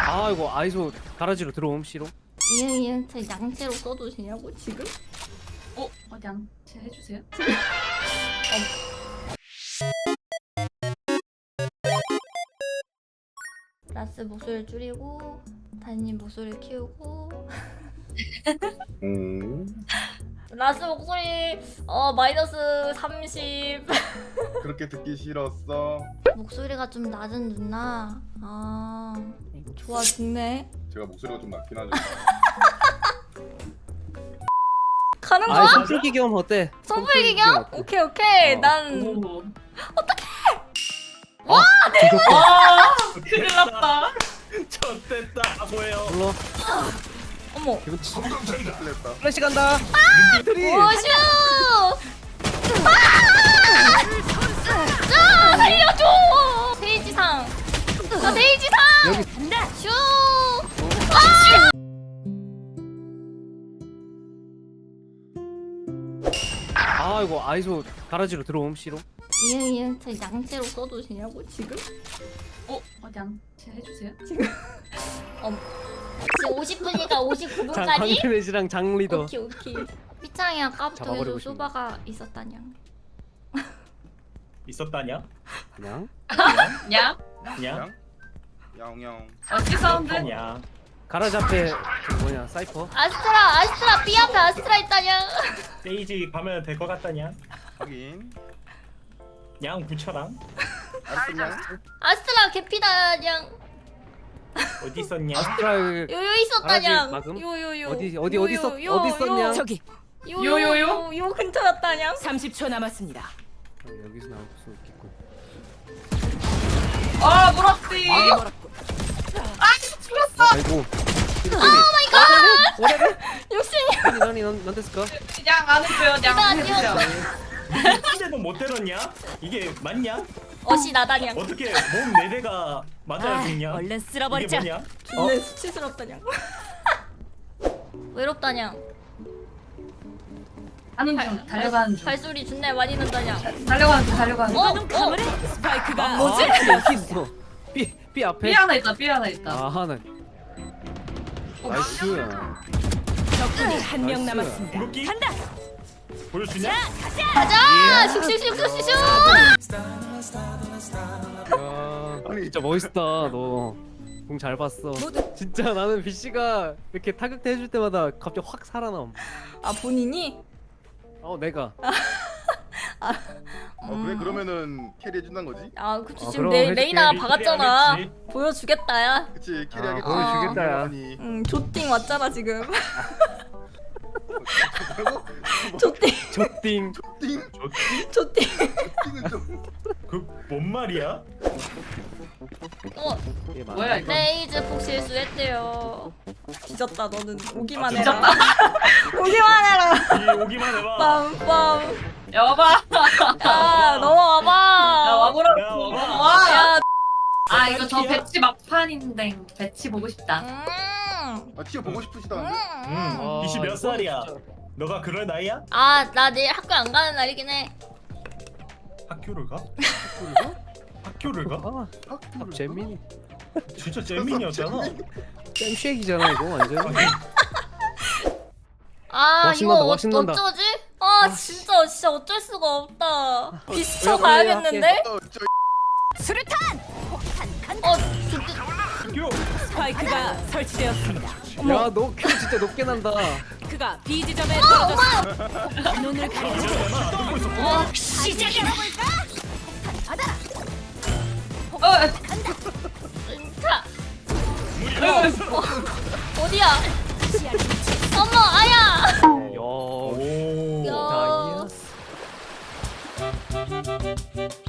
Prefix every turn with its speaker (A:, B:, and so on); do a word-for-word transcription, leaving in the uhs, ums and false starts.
A: 아 이거 아이소 가라지로 들어옴 씨로.
B: 이응 이응 제 양채로 써도 되냐고 지금?
C: 어? 어 양채 해주세요.
B: 라스 목소리 줄이고 다니님 목소리 키우고
D: 음.
B: 라스 목소리 어 마이너스 삼십.
D: 그렇게 듣기 싫었어.
B: 목소리가 좀 낮은 누나. 아 좋아 죽네.
D: 제가 목소리가 좀 낮긴 하죠.
B: 가는
A: 아
B: 거야?
A: 선풀기 겸 어때?
B: 선풀기 겸? 오케이 오케이.
A: 어.
B: 난
C: 오.
A: 와 내가
C: 와 큰일 났다.
E: 졌됐다 뭐예요?
A: 불러.
B: 어머.
A: 기분
D: 틀렸다.
A: 플래시 간다. 트리.
B: 오슈! 아! 아! 살려줘! 데이지상! 저 데이지상!
A: 여기
B: 슈!
A: 아 이거 아이소 가라지로 들어옴 씨로.
B: 이응 이응 제 양채로 써도 되냐고 지금?
C: 어? 어 양채 해주세요.
B: 지금 오십 분이니까 오십구
A: 자
B: 분까지?
A: 광대내시랑 장 리더.
B: 오케이 오케이. 삐창이 아까부터
A: 잡아버리고
B: 계속
A: 싶네.
B: 소바가 있었다냐.
E: 있었다냐?
A: 그냥.
C: 양?
E: 그냥?
D: 양양.
C: 어찌 사운드?
E: 아냐?
A: 가라지 앞에 그 뭐냐 사이퍼.
B: 아스트라 아스트라 B 앞에 아스트라 있다냐.
E: 세이지 가면 될 것 같다냐?
D: 확인.
E: 양 부처랑
D: 알았냐?
B: 아스트라 개피다냐.
E: 어디 있었냐?
A: 아스트라
B: 요요 있었다냐.
A: 가라지 막음?
B: 요요요.
A: 어디 어디 어디 있었 어디 있었냐?
F: 저기
B: 요요요. 요 근처였다냐.
F: 삼십 초 남았습니다.
A: 어, 여기서 나올 수 있겠군.
C: 아 물었지.
A: 아이고.
B: 오 마이 갓.
A: 오래래?
B: 욕심이야.
A: 아니 나니 넌 됐을까?
C: 양 안 해줘요. 양
B: 이거
C: 안 해주세요.
E: 근데도 못 때렸냐? 이게 맞냐?
B: 어시 나다냐.
E: 어떻게 몸 네 대가 맞아야
F: 아,
E: 죽냐?
F: 얼른
E: 이게
F: 쓸어버리자.
E: 뭐냐?
B: 존내 수치스럽다냐. 외롭다냐.
C: 하는 중 달려가는 중.
B: 발소리 존내 많이 난다냐.
C: 달려가는 중 달려가는 중.
B: 어?
F: 눈
B: 어?
F: 감으래. 스파이크가
A: 뭐지? 여기 있어. B B 앞에.
C: 삐 하나 있다. 삐 하나 있다.
A: 아 하나. 나이스.
F: 적군이 한 명
A: 나이스.
F: 남았습니다.
E: 궁극기?
F: 간다.
E: 보여주냐?
B: 가자. 슉슉슉슉슉슉.
A: 야,
D: 아니.
A: 진짜 멋있다 너. 공 잘 봤어. 진짜 나는 B C가 이렇게 타격대 해줄 때마다 갑자기 확 살아남.
B: 아 본인이?
A: 어 내가.
D: 어 그래 그러면은 캐리 해준다는 거지?
B: 아 그치
A: 어,
B: 지금
A: 그럼
B: 레,
A: 해줄게.
B: 레이나
E: 캐리
B: 박았잖아.
E: 하겠지.
B: 보여주겠다 야.
D: 그치 캐리
A: 아,
D: 하겠지.
A: 보여주겠다, 야.
D: 아니.
B: 응 조띵 왔잖아 지금.
D: 뭐라고?
B: 조띵
A: 조띵.
D: 띵.
B: 조띵.
D: 띵은 좀.
E: 그뭔 말이야?
B: 어
A: 이게 맞아.
C: 뭐야 이거?
B: 레이즈 폭 실수했대요. 뒤졌다 너는 오기만
E: 아,
B: 해라. 오기만 해라.
E: 이 오기만 해봐.
B: 빰빰.
C: 여봐.
B: 야 넘어와봐.
C: 야 와보라.
E: 야, 와봐.
C: 와.
B: 야.
C: 아 이거 저 배치 막판인데 배치 보고 싶다.
B: 음.
D: 아 티어 보고 싶으시다는데?
E: 응.
A: 아,
E: 이씨 몇
A: 이거
E: 살이야?
A: 진짜.
E: 너가 그럴 나이야?
B: 아 나 내일 학교 안 가는 날이긴 해.
E: 학교를 가?
D: 학교를 가?
E: 학교를 가?
A: 아,
D: 학교를
A: 잼민이.
E: 진짜 잼민이었잖아.
A: 잼쉐이잖아 이거 완전.
B: 아
A: 와,
B: 이거
A: 신난다, 와,
B: 어,
A: 신난다.
B: 어쩌지? 아 진짜 진짜 어쩔 수가 없다. 비스쳐
A: 왜,
B: 가야겠는데?
D: 어, 저
F: 수류탄.
B: 어 좋-
E: 학교.
F: 스파이크가 설치되었습니다.
A: 야, 너 큐 진짜 높게 난다.
F: 그가 B 지점에 떨어졌습니다. 눈을 가리고 시작해볼까? 받아.
C: 어.
B: 자. 어, 어디야? 어머 아야.
A: 야,
E: 오.
B: 야.
A: 나이스.